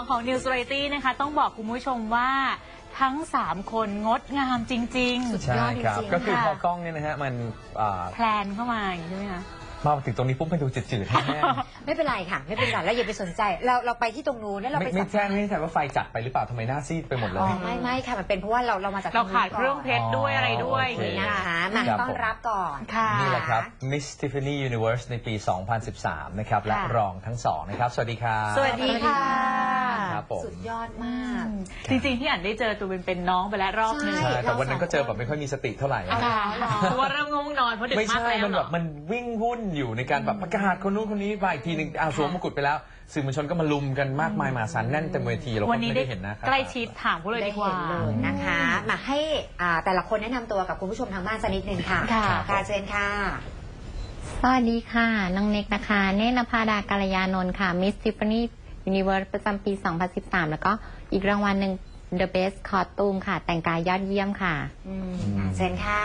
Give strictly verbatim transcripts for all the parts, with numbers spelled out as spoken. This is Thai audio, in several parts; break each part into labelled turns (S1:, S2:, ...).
S1: ของ News Variety นะคะต้องบอกคุณผู้ชมว่าทั้งสามคนงดงามจริงๆสุดยอดจริงๆ
S2: ก็คือพอกล้องเนี่ยนะฮะมัน
S1: แพลนเข้ามาใช่ไหมคะ
S2: มาถึงตรงนี้ปุ๊บมันดูจืดๆแน่
S3: ไม่เป็นไรค่ะไม่เป็นไรแล้วอย่าไปสนใจเราเราไปที่ตรงนู้นแล้วเราไป
S2: ไม่แจ้งไม่ใช่ว่าไฟจัดไปหรือเปล่าทำไมหน้าซีดไปหมดเลย
S3: ไม่ไม่ค่ะมันเป็นเพราะว่าเราเรามาจาก
S1: เราขาดเครื่องเพชรด้วยอะไรด้วย
S3: นะคะมาต้อนรับก่อน
S2: นี่แหละครับ Miss Tiffany Universe ในปี สองพันสิบสามนะครับและรองทั้งสองนะครับสวัสดีครับ
S1: สวัสดีค่ะ
S3: สุดยอดมาก
S1: จริงๆที่อ่านได้เจอตัวเป็นเป็นน้องไปแล้วรอบนึง
S2: ใช่แต่วันนั้นก็เจอแบบไม่ค่อยมีสติเท่าไหร่
S1: เพราะว่าเริ่มง่วงนอนเพราะดึกมากแล้ว
S2: ไม่ใช่มันแบบมันวิ่งวุ่นอยู่ในการแบบประกาศคนนู้นคนนี้ไปอีกทีหนึ่งอาสวมมงกุฎไปแล้วสื่อมวลชนก็มาลุมกันมากมายมหาศาลแน่นเต็มเวทีเราก็ไม่ได้เห็นนะ
S1: ใกล้ชิดถามพวกเลยดีกว่า
S3: เลยนะคะมาให้แต่ละคนแนะนำตัวกับคุณผู้ชมทางบ้านสักนิดนึงค่ะค่ะเชิญค่ะ
S4: สวัสดีค่ะน้องเน็กนะคะเนตรภาดากัลยานนท์ค่ะ Miss Tiffany Universe ประจำปี สองพันสิบสาม แล้วก็อีกรางวัลหนึ่ง The Best Costume ค่ะแต่งกายยอดเยี่ยมค่ะ
S3: เชิญค่ะ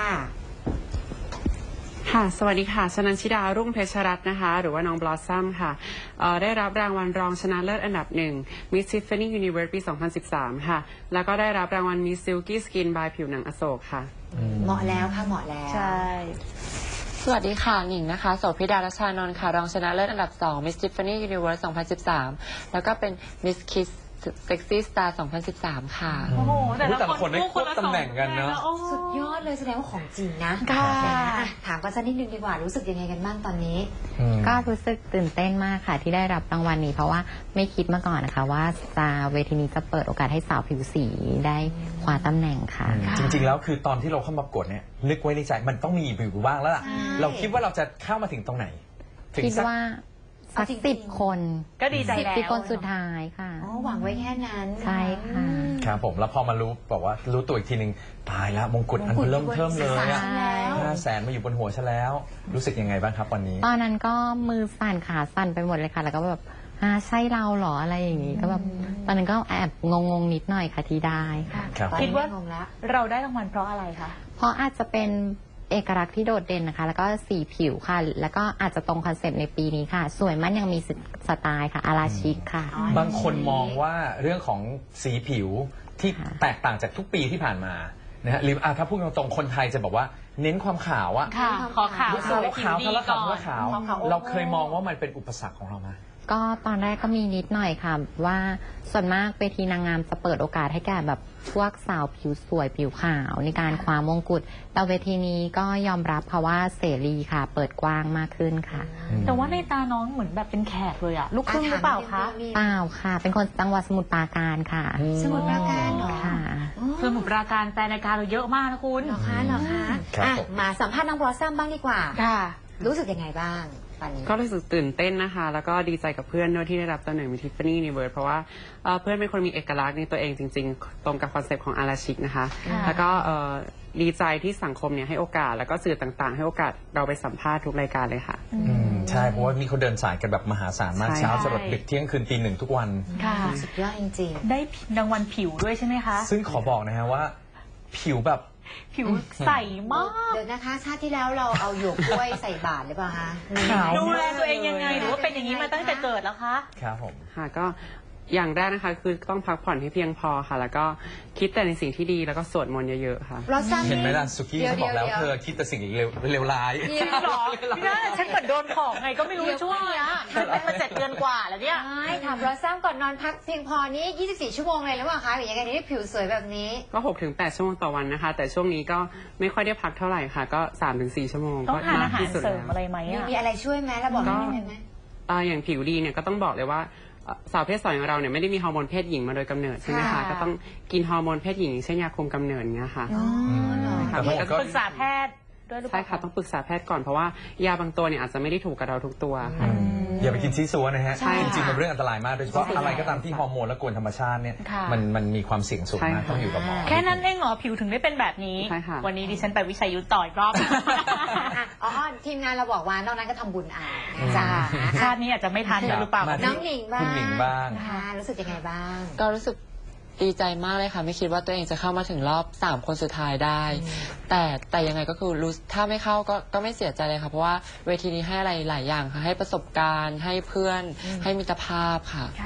S5: ค่ะสวัสดีค่ะชนันชิดารุ่งเพชรรัตน์นะคะหรือว่าน้องบลอสซัมค่ะได้รับรางวัลรองชนะเลิศอันดับหนึ่ง Miss Tiffany Universe ปี สองพันสิบสาม ค่ะแล้วก็ได้รับรางวัล Miss Silky Skin by ผิวหนังอโศกค่ะ
S3: เหมาะแล้วค่ะเหมาะแล้ว
S1: ใช่
S6: สวัสดีค่ะหนิงนะคะโสภิดารัชานนท์ค่ะรองชนะเลิศอันดับสอง Miss Tiffany Universe สองพันสิบสาม แล้วก็เป็น Miss Kiss Sexy Star สองพันสิบสาม ค่ะ
S1: โอ้โห
S2: แต่ละคนได้ควบตำแหน่งกันเนาะ
S3: สุดยอดเลยแสดงว่าของจริงนะถามกันสักนิดนึงดีกว่ารู้สึกยังไงกันบ้างตอนนี้
S4: ก็รู้สึกตื่นเต้นมากค่ะที่ได้รับรางวัลนี้เพราะว่าไม่คิดมาก่อนนะคะว่าจะเวทีนี้จะเปิดโอกาสให้สาวผิวสีได้คว้าตำแหน่งค่ะ
S2: จริงๆแล้วคือตอนที่เราเข้ามาประกวดเนี่ยนึกไว้ในใจมันต้องมีผิวบ้างแล้วล่ะเราคิดว่าเราจะเข้ามาถึงตรงไหน
S4: คิดว่าสักสิบคน
S1: ก็ดีใจแล้ว
S4: สิบคนสุดท้ายค่ะ
S3: อ๋อหวังไว้แค่นั้น
S4: ใช่ค่ะ
S2: ครับผมแล้วพอมารู้บอกว่ารู้ตัวอีกทีหนึ่งตายแล้วมงกุฎอันเริ่มเทิมเลยอ่ะห้าแสนมาอยู่บนหัวฉันแล้วรู้สึกยังไงบ้างครับวันนี้
S4: ตอนนั้นก็มือสั่นขาสั่นไปหมดเลยค่ะแล้วก็แบบอ่าใช่เราหรออะไรอย่างนี้ก็แบบตอนนั้นก็แอบงงๆนิดหน่อยค่ะที่ได้ค่ะ
S1: คิดว่าเราได้รางวัลเพราะอะไรคะ
S4: เพราะอาจจะเป็นเอกลักษณ์ที่โดดเด่นนะคะแล้วก็สีผิวค่ะแล้วก็อาจจะตรงคอนเซปต์ในปีนี้ค่ะสวยมันยังมีสไตล์ค่ะอาราชิกค่ะ
S2: บางคนมองว่าเรื่องของสีผิวที่แตกต่างจากทุกปีที่ผ่านมานะฮะหรือถ้าพูดตรงๆคนไทยจะบอกว่าเน้นความขาวอะ
S1: ขอขาว
S2: สวยขาวทะเลขาวขาวเราเคยมองว่ามันเป็นอุปสรรคของเราไหม
S4: ก็ตอนแรกก็มีนิดหน่อยค่ะว่าส่วนมากเวทีนางงามจะเปิดโอกาสให้แก่แบบพวกสาวผิวสวยผิวขาวในการคว้ามงกุฎแต่เวทีนี้ก็ยอมรับค่ะว่าเสรีค่ะเปิดกว้างมากขึ้นค่ะ
S1: แต่ว่าในตาน้องเหมือนแบบเป็นแขกเลยอะลูกครึ่งหรือเปล่าคะ
S4: เปล่าค่ะเป็นคนจังหวัดสมุทรปราการค่ะ
S3: สมุทรปราการเหรอ
S4: ค่ะ
S1: สมุทรปราการแฟนรายการเราเยอะมากนะคุณ
S3: เหรอคะเหรอคะมาสัมภาษณ์น้องบลอสซัมบ้างดีกว่า
S1: ค่ะ
S3: รู้สึกยังไงบ้าง
S5: ก็รู้สึกตื่นเต้นนะคะแล้วก็ดีใจกับเพื่อนด้วยที่ได้รับตำแหน่ง Miss Tiffany Universe เพราะว่าเพื่อนเป็นคนมีเอกลักษณ์ในตัวเองจริงๆตรงกับคอนเซปต์ของอาราชิกนะคะแล้วก็ดีใจที่สังคมเนี่ยให้โอกาสแล้วก็สื่อต่างๆให้โอกาสเราไปสัมภาษณ์ทุกรายการเลยค่ะ
S2: ใช่เพราะว่านี่เขาเดินสายกันแบบมหาศาลมากเช้าสลดดึกเที่ยงคืนตีหนึ่งทุกวัน
S3: สุดยอดจริง
S1: ๆได้รางวัลผิวด้วยใช่ไหมคะ
S2: ซึ่งขอบอกนะฮะว่าผิวแบบ
S1: ผิวใสมาก
S3: เดี๋ยวนะคะชาติที่แล้วเราเอาหยวกกล้วยใส่บาตรหรือเปล่าคะ
S1: ดูแลตัวเองยังไงหรือว่าเป็นอย่างนี้มาตั้งแต่เกิดแล้วคะ
S2: ครับผม
S5: ค่ะก็อย่างแรกนะคะคือต้องพักผ่อนให้เพียงพอค่ะแล้วก็คิดแต่ในสิ่งที่ดีแล้วก็สวดมนต์เยอะๆค่ะ
S2: เห็นไหมล่ะสุกี้เขาบอกแล้วเธอคิดแต่สิ่งเลวเลวร้าย
S1: จริงหรอพี่น่าฉันเหมือนโดนของไงก็ไม่รู้ช่วงนี้เป็นมาเจ็ดเดือนกว่าแล้วเนี่ย
S3: ถามบลอสซัมก่อนนอนพักเพียงพอนี้ยี่สิบสี่ชั่วโมงเลยหรือเปล่าคะหรือยังไงนี่ผิวสวยแบบนี้
S5: ก็ หกถึงแปด ชั่วโมงต่อวันนะคะแต่ช่วงนี้ก็ไม่ค่อยได้พักเท่าไหร่ค่ะก็ สามถึงสี่ ชั่วโมง
S1: ต้องทานอาหารเสริมอะไรไหม
S3: มีอะไรช่วยไหมระบอกนิดนึงไหม
S5: อย่างผิวดีเนี่ยก็ต้องบอกเลยว่าสาวเพศสองของเราเนี่ยไม่ได้มีฮอร์โมนเพศหญิงมาโดยกำเนิดใช่ไหมคะก็ต้องกินฮอร์โมนเพศหญิงเช่นยาคุมกำเนิดเงี้ยค่ะ
S1: ปรึกษาแพทย์ด้วยหรือเปล่า
S5: ใช่ค่ะต้องปรึกษาแพทย์ก่อนเพราะว่ายาบางตัวเนี่ยอาจจะไม่ได้ถูกกับเราทุกตัวค่ะ
S2: อย่าไปกินซีซัวนะฮะจริงๆมันเรื่องอันตรายมากโดยเฉพาะอะไรก็ตามที่ฮอร์โมนและกวนธรรมชาติเนี่ยมันมันมีความเสี่ยงสูงมากต้องอยู่กับหมอ
S1: แค่นั้นเองเหรอผิวถึงได้เป็นแบบนี้วันนี้ดิฉันไปวิชัยยุทธต่อยรอบ
S3: อ๋อทีมงานเราบอกว่านอกนั้นก็ทำบุญอ่ะจ้า
S1: ชาตินี้อาจจะไม่ทันหรือเปล่า
S3: น้องหนิงบ้าง
S2: คุณหนิงบ้าง
S3: รู้สึกยังไงบ้าง
S6: ก็รู้สึกดีใจมากเลยค่ะไม่คิดว่าตัวเองจะเข้ามาถึงรอบสามคนสุดท้ายได้แต่แต่ยังไงก็คือรู้ถ้าไม่เข้าก็ก็ไม่เสียใจเลยค่ะเพราะว่าเวทีนี้ให้อะไรหลายอย่างค่ะให้ประสบการณ์ให้เพื่อนให้มิตรภาพค่ะ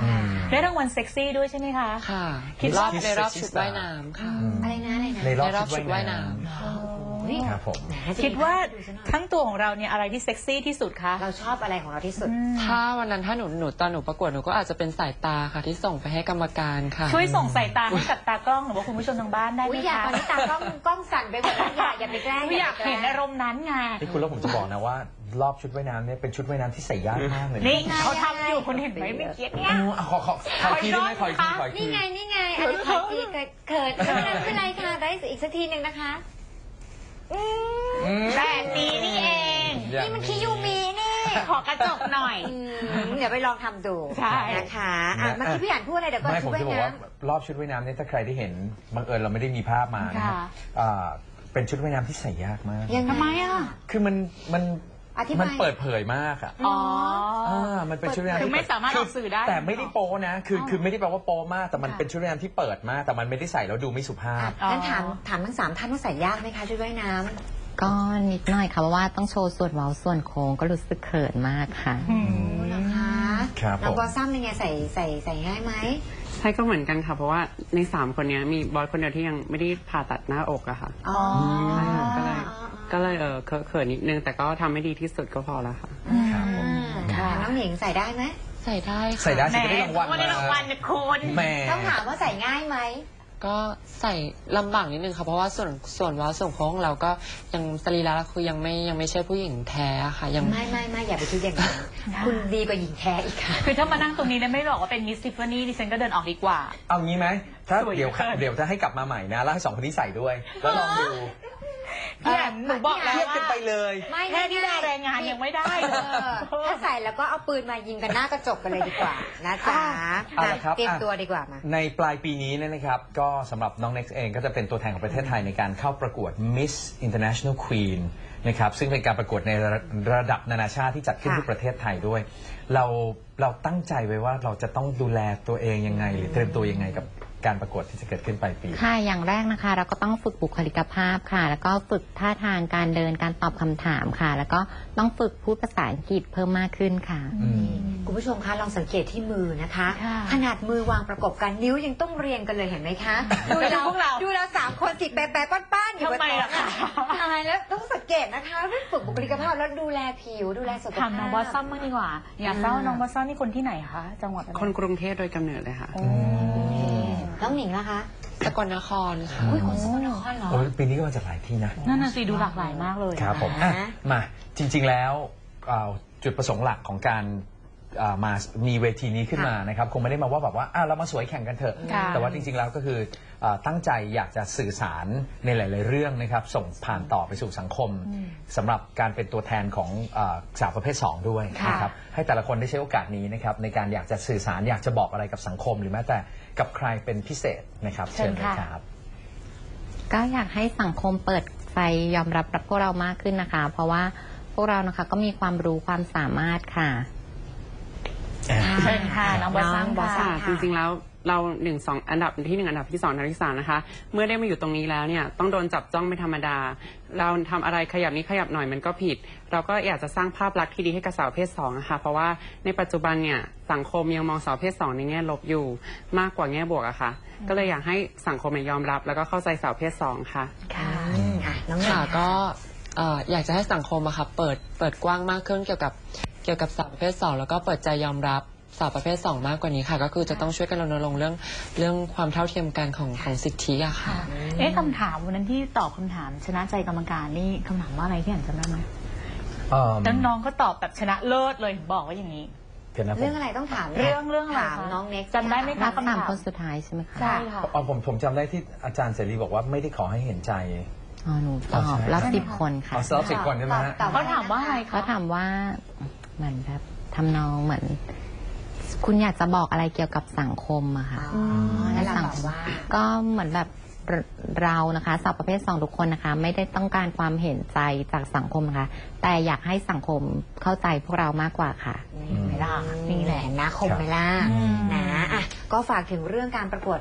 S1: ได้รางวัลเซ็กซี่ด้วยใช่ไหมคะ
S6: ค่ะ
S1: คิด
S6: ร
S1: ว่า
S6: อบในรอบชุดว่ายน้ำค่ะ
S3: อะไรนะอะไรนะ
S2: ใน
S6: ในร
S2: ร
S6: อ
S2: อ
S6: บบ ชุ
S2: ชุ
S6: ด
S2: ด
S6: ว่า
S2: ว่าย ย
S6: น้
S2: น้
S3: นี่
S2: ำครับผม
S3: แหม
S1: คิดว่า
S3: ดูซะหน่อย
S1: ทั้งตัวของเราเนี่ยอะไรที่เซ็กซี่ที่สุดคะ
S3: เราชอบอะไรของเราที่สุด
S6: ำถ้าวันนั้นถ้าหนูหนูตอนหนูประกวดหนูก็อาจจะเป็นสายตาค่ะที่ส่งไปให้กรรมการค่ะ
S1: ช่วยส่งสายตาให้กับตากล้องหรือว่าคุณผู้ชมทางบ้านได้ไห
S3: อุ้
S1: ม
S3: ยอยาก
S1: คะ
S3: ตอนนี้ตากล้องกล้องสั่นไปหมดแล้วอย่าอย่าไปแกล้ง
S1: อยากเห็นอารมณ์นั้นไง
S2: นี่คุณแล้วผมจะบอกนะว่ารอบชุดว่ายน้ำเนี่ยเป็นชุดว่ายน้ำที่ใส่ยากมากเลยะ
S1: นี่เขาทำอยู่คุณเห็นไหมเมื่อกี้เนี่ย
S2: อ๋ออ่ะขอขอขออีกทีได้ไหมขออีกทีขออีกที
S3: นี่ไงนี่ไงอันนี้ขอทีเกิดเขินไม่เป็นไรค่ะได้อีกสักทีหนึ่งนะคะอืม
S2: อืม
S1: แบบนี้นี่เอง
S2: อย่าง
S3: นี่มันคิยูมีนี่
S1: ขอกระจกหน่อย
S3: อืมเดี๋ยวไปลองทำดู
S1: ใช่
S3: นะคะอ่ะเมื่อกี้พี่อ่านพูดอะไรเดี๋ยวก่อน
S2: ไม่ผ
S3: ชุด
S2: ม
S3: ว่าย
S2: จะบอกว่า
S3: น้ำ
S2: รอบชุดว่ายน้ำเนี่ยถ้าใครได้เห็นบังเอิญเราไม่ได้มีภาพมานะครับ
S1: ค่ะ
S2: อ่าเป็นชุดว่ายน้ำที่ใส่ยากมาก
S3: ยังไง
S1: ทำไมอ่ะ
S2: คือมันมัน
S3: อธิบาย
S2: มันเปิดเผยมากอ่ะ
S1: อ๋อ
S2: อ่ามันเป็นชุดว่ายน้ำ
S1: คือ
S2: ที่
S1: ไม่สามารถออกสื่อได้
S2: แต่ไม่ได้โป๊นะคือคือไม่ได้แปลว่าโป๊มาก แต่มัน
S3: ค่ะ
S2: เป็นชุดว่ายน้ำที่เปิดมาก แต่มันไม่ได้ใส่แล้วดูไม่สุภาพ
S3: อ่ะงั้นถามถามทั้งสามท่านว่าใส่ยากไหมคะชุดว่ายน้ำ
S4: ก็นิดหน่อยค่ะเพราะว่าต้องโชว์ส่วนเว้าส่วนโค้งก็รู้สึกเขินมากค่ะ
S3: เหรอคะ
S2: ครับ
S3: น้อง
S2: ผม
S3: บอสซัมเป็นไงใส่ใส่ใส่ง่ายไหม
S5: ใช่ก็เหมือนกันค่ะ เพราะว่าในสามคนเนี้ยมีบอสคนเดียวที่ยังไม่ได้ผ่าตัดหน้าอกอะค่ะ
S3: อ๋อ
S5: ใช่ค่ะก็เลยก็เลยเออเขินเขินนิดนึงแต่ก็ทำให้ดีที่สุดก็พอแล้วค่ะ
S2: ครับผม
S3: อ่าน้องหญิงใส่ได้ไหม
S6: ใส่ได้ค่ะ
S2: ใส่ได้
S1: แหม
S2: สิก็ได้รางวัล
S1: วันนี้รางวัลนะคุณ
S2: แหม่
S3: ต้องถามว่าใส่ง่ายไหม
S6: ก็ใส่ลำบากนิดนึงค่ะเพราะว่าส่วนส่วนเว้าส่วนโค้งของเราก็ยังสรีระเราคือยังไม่ยังไม่ใช่ผู้หญิงแท้ค่ะยัง
S3: ไม่ไม่ไม่อย่าไปคิดอย่างนั้นคุณดีกว่าหญิงแท้อีกค่ะ
S1: คือถ้ามานั่งตรงนี้แล้วไม่บอกว่าเป็นมิสซิฟานี่ดิฉันก็เดินออกดีกว่า
S2: เอางี้ไหมถ้า
S1: สวย
S2: เดี๋ยว
S1: เกิน
S2: เดี๋ยวถ้าให้กลับมาใหม่นะแล้วให้สองคนนี้ใส่ด้วย แล้วลองดู
S1: พี่แอมหนูบอกแล้ว
S2: เทียบกันไป
S1: ว่า
S2: เลย
S3: ไม่
S1: แค่นี้ดาแรงงานยังไม่ได้
S3: เอ
S1: เลย
S3: อถ้าใส่แล้วก็เอาปืนมายิงกันหน้ากระจกกันเลยดีกว่านะจ๊ะ
S2: เอาละครับ
S3: เตรียม
S2: อ่ะ
S3: ตัวดีกว่ามา
S2: ในปลายปีนี้เนี่ยนะครับ ก็สำหรับน้อง Next เองก็จะเป็นตัวแทนของประเทศไทยในการเข้าประกวด Miss International Queen นะครับซึ่งเป็นการประกวดในระระดับนานาชาติที่จัดขึ้น
S3: ค่ะ
S2: ที่ประเทศไทยด้วย เราเราตั้งใจไว้ว่าเราจะต้องดูแลตัวเองยังไง หรือเตรียมตัวยังไงกับการประกวดที่จะเกิดขึ้นปลายปี
S4: ค่ะอย่างแรกนะคะ เราก็ต้องฝึกบุคลิกภาพค่ะ แล้วก็ฝึกท่าทางการเดินการตอบคำถามค่ะ แล้วก็ต้องฝึกพูดภาษาอังกฤษเพิ่มมากขึ้นค่ะ
S2: อืม
S3: คุณผู้ชมคะลองสังเกตที่มือนะคะ
S1: ค่ะ
S3: ขนาดมือวางประกบกันนิ้วยังต้องเรียงกันเลยเห็นไหมคะดู
S1: แล้วดูพวกเรา
S3: ดูเราสามคนสิแปะแปะป้านป้านๆอยู่บน
S1: ทำไม
S3: โต๊ะ
S1: ล่ะคะ
S3: ตายแล้วต้องสังเกตนะคะต้องฝึกบุคลิกภาพแล้วดูแลผิวดูแลสุข
S1: ถาม
S3: ภา
S1: น้อง
S3: พ
S1: บอสซัมบ้างดีกว่า อยากทราบว่าน้องบอสซัมนี่คนที่ไหนคะ จังหวัดอะไร
S5: คนกรุงเทพโดยกำเนิดเลยค่ะ
S3: น้องหนิงนะคะ
S6: สกลนครค่ะ
S3: อุ้ยคนสกลนครเหรอ
S2: โอ้ยปีนี้ก็มาจากหลายที่นะ
S1: นั่นน่ะสิดูหลากหลายมากเลย
S2: ครับผม
S3: อ่า
S2: อ่ะมาจริงๆแล้วเอ่อจุดประสงค์หลักของการเอ่อมามีเวทีนี้ขึ้นมานะครับคงไม่ได้มาว่าแบบว่าอ่ะเรามาสวยแข่งกันเถอะ
S1: ค่ะ
S2: แต่ว่าจริงๆแล้วก็คือเอ่อตั้งใจอยากจะสื่อสารในหลาย ๆ เรื่องนะครับส่งผ่านต่อไปสู่สังคมสำหรับการเป็นตัวแทนของเอ่อสาวประเภทสองด้วย
S3: ค่ะ
S2: นะครับให้แต่ละคนได้ใช้โอกาสนี้นะครับในการอยากจะสื่อสารอยากจะบอกอะไรกับสังคม หรือแม้แต่กับใครเป็นพิเศษนะครับ
S1: เชิญ
S2: เลย
S1: ค่ะ
S2: ครับ
S4: ก็อยากให้สังคมเปิดใจยอมรับรับพวกเรามากขึ้นนะคะ เพราะว่าพวกเรานะคะก็มีความรู้ความสามารถค่ะ
S1: เชิญค่ะ น้องบอสซัม
S3: น้องบอสซั
S1: ค่ะ
S3: ม
S5: ค่ะจริงๆแล้วเราหนึ่งสองอันดับที่หนึ่งอันดับที่สองอันดับที่สามนะคะ เมื่อได้มาอยู่ตรงนี้แล้วเนี่ยต้องโดนจับจ้องเป็นธรรมดา เราทำอะไรขยับนี้ขยับหน่อยมันก็ผิด เราก็อยากจะสร้างภาพลักษณ์ที่ดีให้กับสาวประเพศสองนะคะเพราะว่าในปัจจุบันเนี่ยสังคมยังมองสาวประเพศสองในแง่ลบอยู่มากกว่าแง่บวกอะค่ะ ก็เลยอยากให้สังคมเนี่ยยอมรับ แล้วก็เข้าใจสาวประเพศสองค่ะ
S3: ค่ะอ่ะน้องหนิ
S6: ค่ะ
S3: ง
S6: ก็เอ่ออยากจะให้สังคมอะค่ะเปิดเปิดกว้างมากขึ้นเกี่ยวกับเกี่ยวกับสาวประเภทสองแล้วก็เปิดใจยอมรับสาวประเภทสองมากกว่านี้ค่ะ ก็คือจะต้องช่วยกันรณรงค์เรื่องเรื่องความเท่าเทียมกันของของสิทธิอะค่ะ
S1: เอ๊ะคำถามวันนั้นที่ตอบคำถามชนะใจกรรมการนี่คำถามว่าอะไรที่อ่านจำได้ไหม
S2: เอิ่ม
S1: แล้วน้องก็ตอบแบบชนะเลิศเลยบอกว่าอย่างนี้
S2: เดี๋ยวนะผม
S3: เรื่องอะไรต้องถาม
S1: เรื่องเรื่องอะไร
S3: ถาม
S1: คะ
S3: น้องเน็ก
S1: จำได้ไหม
S4: นั
S1: คะ
S4: บ
S1: คำ
S4: สาม
S1: ถาม
S4: คนสุดท้ายใช่ไหมคะ
S1: ใช่ค่ะ
S2: อ๋อผมผมจำได้ที่อาจารย์เสรีบอกว่าไม่ได้ขอให้เห็นใจ
S4: อ๋อหนูตอบ
S2: อ๋อใช่
S4: รับสิบคนค่ะ
S2: เอาสำหรับสิบคนใช่ไหมฮะ
S3: ตอบ
S1: เขาถามว่าอะไร
S4: เขา
S1: คะ
S4: ถามว่าเหมือนแบบทำนองเหมือน คุณอยากจะบอกอะไรเกี่ยวกับสังคมอะค่ะ
S3: อ๋อแล้วเราตอบว่า
S4: ก็เหมือนแบบเราเรานะคะสาวประเภทสองทุกคนนะคะ ไม่ได้ต้องการความเห็นใจจากสังคมนะคะ แต่อยากให้สังคมเข้าใจพวกเรามากกว่าค่ะ
S3: ไม่ล่ะนี่แหละนะคมไหมล่ะ
S1: อืม
S3: นะอ่ะก็ฝากถึงเรื่องการประกวด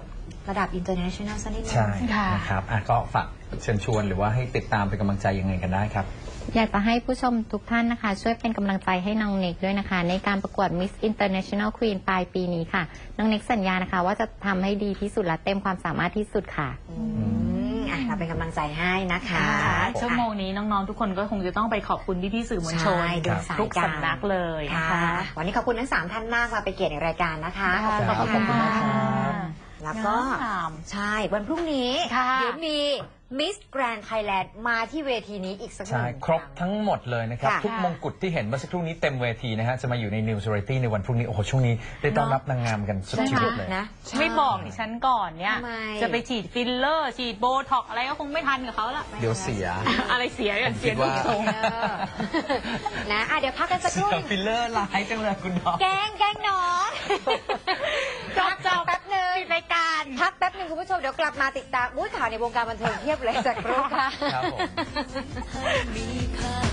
S3: ระดับ international สักนิดนึง
S2: ใช่
S1: ค่ะ
S2: นะครับอ่ะก็ฝากเชิญชวนหรือว่าให้ติดตามเป็นกำลังใจยังไงกันได้ครับ
S4: อยากจะให้ผู้ชมทุกท่านนะคะ ช่วยเป็นกำลังใจให้น้องเน็กด้วยนะคะ ในการประกวด Miss International Queen ปลายปีนี้ค่ะ น้องเน็กสัญญานะคะ ว่าจะทำให้ดีที่สุดและเต็มความสามารถที่สุดค่ะ
S3: อืมอ่ะเราเป็นกำลังใจให้นะคะ
S1: ชั่วโมงนี้น้องๆทุกคนก็คงจะต้องไปขอบคุณพี่ๆสื่อมวลชน
S3: ใช่ดูสาย
S1: ทุก
S3: การ
S1: สำนักเลย
S3: ค่ะ
S1: นะคะ
S3: วันนี้ขอบคุณทั้งสามท่านมากมาเป็นเกียรติในรายการนะคะ
S1: ขอบคุณ
S2: ขอบคุณ
S1: ค่ะ
S2: มากครับ
S3: แล้วก็
S1: งาม
S3: ใช่วันพรุ่งนี้
S1: ค่ะ
S3: เดี๋ยวมี Miss Grand Thailand มาที่เวทีนี้อีกสักห
S2: ใช่
S3: นึ่ง
S2: ครบ
S3: ง
S2: ทั้งหมดเลยนะครับ
S3: ค่ะ
S2: ทุกมงกุฎที่เห็นเมื่อสักครู่นี้เต็มเวทีนะฮะจะมาอยู่ใน News Variety ในวันพรุ่งนี้ โอ้โห ช่วงนี้ได้ต้อนรับนางงามกันสุด
S3: ใช่
S2: ชี
S3: ไหม
S2: วิตเลย
S3: นะ
S1: ไม่บอกดิฉันก่อนเนี่ย
S3: ทำไม
S1: จะไปฉีดฟิลเลอร์ ฉีดโบท็อกซ์อะไรก็คงไม่ทันกับเขาละ
S2: เดี๋ยวเสีย
S1: อะไรเสียกัน
S2: ผมคิ
S1: เสีย
S2: ด
S1: ทุ
S2: ว่า
S1: กทรง
S3: เออนะอ่ะเดี๋ยวพักกันสักครู่ห
S2: เสีย
S3: นึ่ง
S2: ฟิลเลอร์ร้ายจังเลยคุณน้อง
S3: แกล้งแกล้งน้อง
S1: จบ
S3: พัก
S1: จบ
S3: แป๊บหนึ่ง
S1: ปิดรายการ
S3: พักแป๊บหนึ่งคุณผู้ชมเดี๋ยวกลับมาติดตามอุ้ยข่าวในวงการบันเทิงเทียบเลยสักครู่ค่ะ
S2: ครับผม
S7: มีค่า